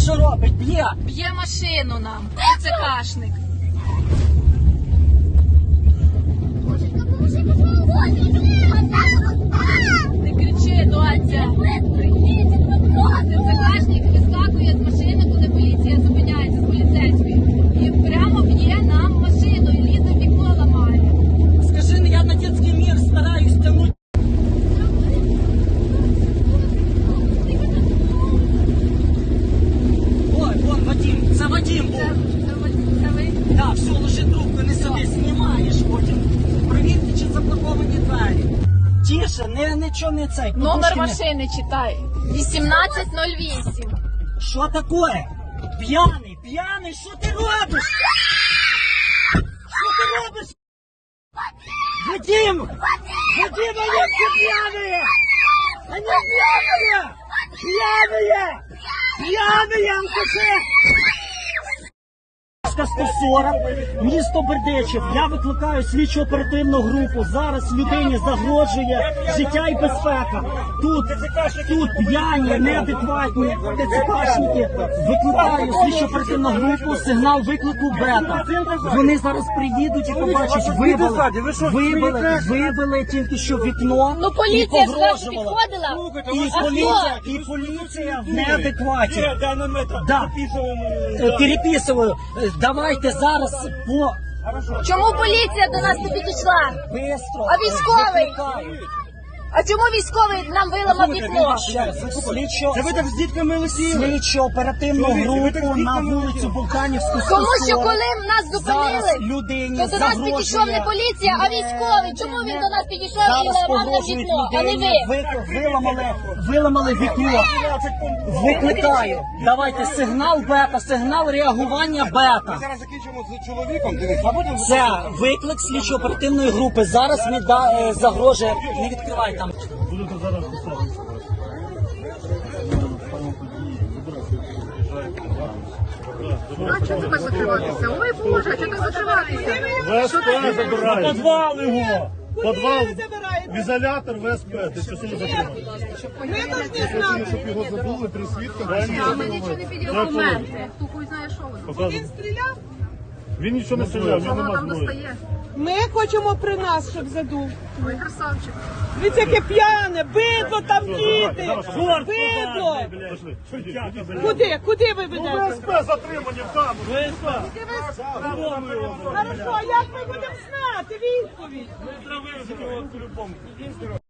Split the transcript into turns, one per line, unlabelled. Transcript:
що робить? Б'є.
Б'є машину нам. ТЦКшник. Не кричи, доця. ТЦКшник вискакує з машини, коли поліція зупиняється з поліцейською. І прямо б'є нам машину і лізе в вікно ламає.
Скажи, я на дитячий мір стараюсь тягнути. Ой, вон Вадим, це Вадим був.
Це ви?
Так, все, ложи трубку, не сиди, знімаєш потім. Провірте, чи заблоковані двері. Тише, нічого не цей.
Номер
подушки не-
машини читай. 1808.
Що таке? П'яний, що ти робиш? Що ти робиш? Вадим, они все пьяные! Они пьяные! Пьяные, алкаши! 140, місто Бердичів. Я викликаю слідчо-оперативну групу. Зараз людині загрожує життя і безпека. Тут п'яні, неадекватні ТЦКшники. Викликаю слідчо-оперативну групу, сигнал виклику бета. Вони зараз приїдуть і побачать, вибили тільки що вікно.
Ну
і
поліція ж зразу
погрожувала.
підходила.
І поліція в неадекваті.
Да.
Переписываю. Давайте зараз по...
Чому поліція до нас не підійшла?
Бистро.
А військовий?
Викликаю.
А чому військовий нам виламав вікно?
Ще раз,
Це ви так з дітками лисіли?
слідчо-оперативну групу на вулицю Болтанівську 140.
Тому що коли нас
Зараз
зупинили,
людині
то до нас
загрожує...
підійшов не поліція, а військовий. Чому він до нас підійшов і
Зараз
ламав нам
погрожують
вікно, а не
людині,
ви?
виламали вікно. Викликаю. Давайте сигнал бета, сигнал реагування бета.
Зараз закінчимо з чоловіком, дивись, а потім...
Це виклик слідчо-оперативної групи. Зараз загрожує. Не відкривай там.
Будете зараз писати.
А чого тебе закриватися? Ой Боже, а чого тебе закриватися?
ВСП забирає. Подвал його. Подвал, в ізолятор ВСП. Ти що сьогодні затримав? Щоб його забули, три свідка.
А ми нічого не підійшли документи. Хто хуй знає, що воно.
Він стріляв? Він нічого не стріляв, він не
Воно там
мав.
достає.
Ми хочемо при нас, щоб задув.
Ой, красавчик.
Дивіться, яке п'яне, бидло там діти. Бидло. Куди ви ведете?
ВСП затримані в камеру.
Хорошо, а як ми будемо знати відповідь?
Ми по-любому.